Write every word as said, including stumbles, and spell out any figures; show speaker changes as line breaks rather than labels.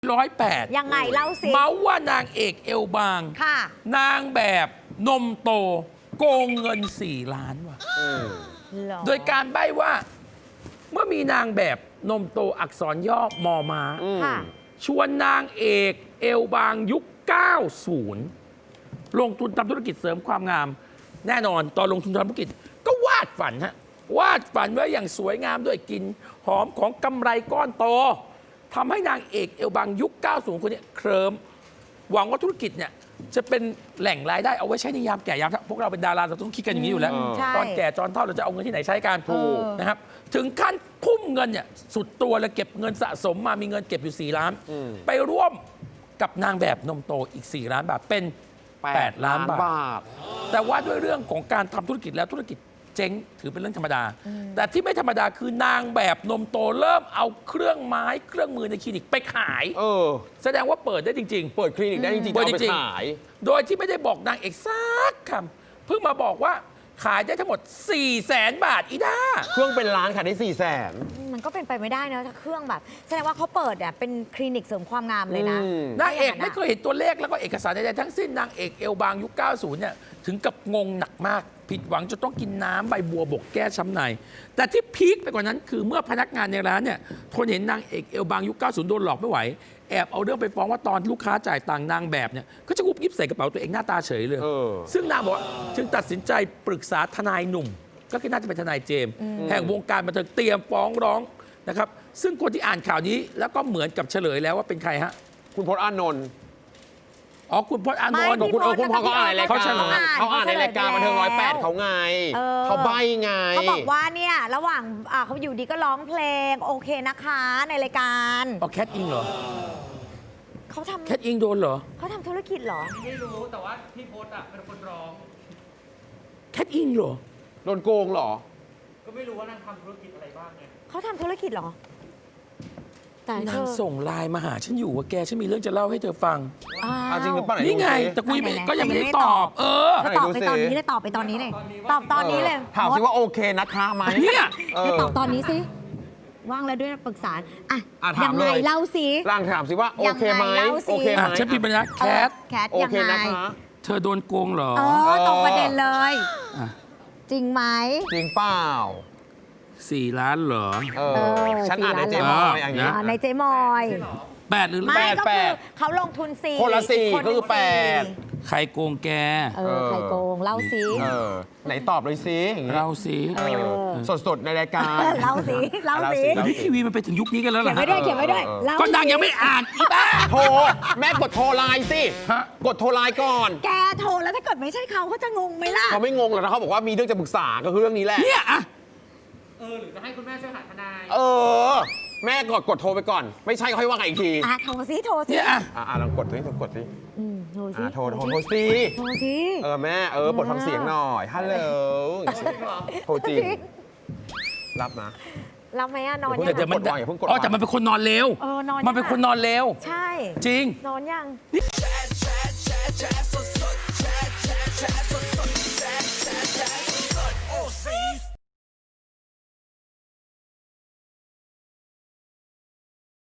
ร้อยแปด
ยังไงเล่าสิ
เมาว่านางเอกเอวบาง
ค่ะ
นางแบบนมโตโกงเงินสี่ล้านว่ะโดยการใบ้ว่าเมื่อมีนางแบบนมโตอักษรย่อมอม้าชวนนางเอกเอวบางยุค เก้าสิบ ลงทุนทำธุรกิจเสริมความงามแน่นอนตอนลงทุนทำธุรกิจก็วาดฝันฮะวาดฝันไว้อย่างสวยงามด้วยกลิ่นหอมของกำไรก้อนโตทำให้นางเอกเอวบางยุค เก้าสิบ คนนี้เคลิ้มหวังว่าธุรกิจเนี่ยจะเป็นแหล่งรายได้เอาไว้ใช้ในยามแก่ยามเฒ่าพวกเราเป็นดาราเราต้องคิดกันอย่างนี้อยู่แล้วตอนแก่ตอนเฒ่าเราจะเอาเงินที่ไหนใช้กันถูกนะครับถึงขั้นพุ่มเงินเนี่ยสุดตัวเลยเก็บเงินสะสมมามีเงินเก็บอยู่สี่ล้านไปร่วมกับนางแบบนมโตอีกสี่ล้านบาทเป็นแปดล้านบาทแต่ว่าด้วยเรื่องของการทำธุรกิจแล้วธุรกิจเจ๊งถือเป็นเรื่องธรรมดาแต่ที่ไม่ธรรมดาคือนางแบบนมโตเริ่มเอาเครื่องไม้เครื่องมือในคลินิกไปขายเออแสดงว่าเปิดได้จริงๆเปิดคลินิกได้จริงๆเอาไปขายโดยที่ไม่ได้บอกนางเอกสักคำเพิ่งมาบอกว่าขายได้ทั้งหมด สี่แสน บาทอีด้า
เครื่องเป็นล้านขายได้ สี่แสน
มันก็เป็นไปไม่ได้นะถ้าเครื่องแบบแสดงว่าเขาเปิดเนี่ยเป็นคลินิกเสริมความงามเลยนะ
นางเอกไม่เคยเห็นตัวเลขแล้วก็เอกสารใดๆทั้งสิ้นนางเอกเอลบางยุค เก้าสิบ เนี่ยถึงกับงงหนักมากผิดหวังจนต้องกินน้ำใบบัวบกแก้ช้ำในแต่ที่พีคไปกว่านั้นคือเมื่อพนักงานในร้านเนี่ยทนเห็นนางเอกเอลบางยุค เก้าสิบ โดนหลอกไม่ไหวแอบเอาเรื่องไปฟ้องว่าตอนลูกค้าจ่ายตังค์นางแบบเนี่ยก็จะกุบยิบใส่กระเป๋าตัวเองหน้าตาเฉยเลยซึ่งนางบอกว่าจึงตัดสินใจปรึกษาทนายหนุ่มก็คือน่าจะเป็นทนายเจมส์แห่งวงการบันเทิงเตรียมฟ้องร้องนะครับซึ่งคนที่อ่านข่าวนี้แล้วก็เหมือนกับเฉลยแล้วว่าเป็นใครฮะ
คุณพจน์อานนท์
อ๋อคุณพจน์อานนท์
คุณคุณพจน์เขาอ่านในรายการเขาอ่านในรายการบันเทิงร้อยแปดเขาไงเขาใบไง
เขาบอกว่าเนี่ยระหว่างเขาอยู่ดีก็ร้องเพลงโอเคนะคะในรายการ
อ๋อแคทอิงเหรอ
เขาทำ
แคทอิงโดนเหรอ
เขาทำธุรกิจเหรอ
ไม่รู้แต่ว่าพี่พจน์อ่ะเป็นคนร้อง
แคทอิงเหรอ
โดนโกงเหรอ
ก็ไม่รู้ว่านางทำธุรกิจอะไรบ้างไง
เขาทำธุรกิจเหรอ
แต่นางส่งไลน์มาหาฉันอยู่ว่าแกฉันมีเรื่องจะเล่าให้เธอฟัง
จริงหรือเปล่า
นี่ไงแต่คุยก็ยังไม่ได้ตอบเออ
ตอบไปตอนนี้เลยตอบไปตอนนี้เลยตอบตอนนี้เลย
ถามสิว่าโอเคนะคะไหม
เนี่ย
ตอบตอนนี้สิว่างแล้วด้วยปรึกษาอ่ะยังไงเล่าสิ
ร่างถามสิว่าโอเคไหมโอเคไหม
ฉันพิมพ์ไปนะแคท
แคทยังไง
เธอโดนโกงเหรอ
เออตรงประเด็นเลยจริงไหม
จริงเปล่า
สี่ล้านเหรอ
เออฉันอ่านในเจมอยอย่างนี้
ในเจมอย
แปดหรือ
แปดแปดเขาลงทุนสี่
คนละสี่ก็คือแปด
ใครโกงแก
เออใครโกงเล่าสิ
ไหนตอบเลยสิ
เล่าสิ
สดๆในรายการ
เล่าสิเล่าสิ
ทีวีมันไปถึงยุคนี้กันแล้วเหรอ
เขียนไม่ได้เขียนไม่ได้
ก็นางยังไม่อ่านอีบ้า
โทรแม่กดโทรไลน์สิกดโทรไลน์ก่อน
แกโทรแล้วถ้าเกิดไม่ใช่เขาเขาจะงงไหมล่ะ
เขาไม่งงหรอกนะเขาบอกว่ามีเรื่องจะปรึกษาก็คือเรื่องนี้แหละ
เนี่ยอะ
เออหรือจะให้คุณแม่ช่วยหาทนาย
เออแม่กดกดโทรไปก่อนไม่ใช่ค่อยว่ากันอีกที
อ่ะโทรสิโทรสิ
เนี่ยอ่ะ
อ่ะลองกดสิลองกดสิ
อืมโทรสิ
โทรโทรโทรสิ
โทรสิ
เออแม่เออปลดฟังเสียงหน่อยฮัลโหลโทรจริงรับนะ
รับไหมอะนอน
ยังแต่มันอ๋อแต่มันเป็นคนนอนเร็ว
เออนอน
มันเป็นคนนอนเร็ว
ใช่
จริง
นอนยัง